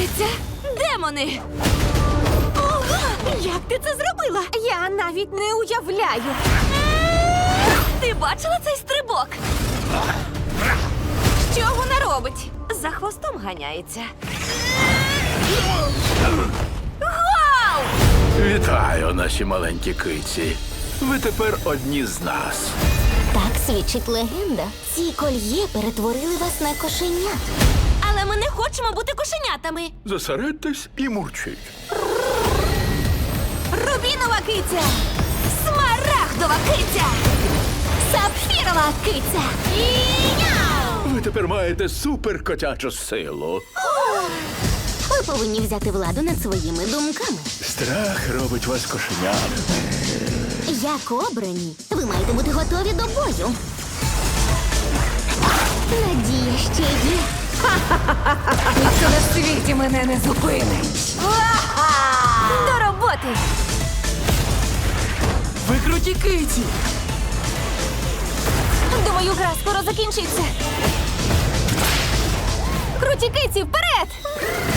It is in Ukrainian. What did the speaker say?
Здається, демони! Ого! Як ти це зробила? Я навіть не уявляю. Ти бачила цей стрибок? Що вона робить? За хвостом ганяється. Вау! Вітаю, наші маленькі киці. Ви тепер одні з нас. Так свідчить легенда. Ці кольє перетворили вас на кошенят. Але ми не хочемо бути кошенятами. Зосередьтесь і мурчіть. Рубінова киця! Смарагдова киця! Сапфірова киця! Ви тепер маєте суперкотячу силу. Ви повинні взяти владу над своїми думками. Страх робить вас кошенятами. Як обрані, ви маєте бути готові до бою. Надія ще є. Ніхто на світі мене не зупинить. До роботи! Ви круті киті! Думаю, гра скоро закінчиться. Круті киці, вперед!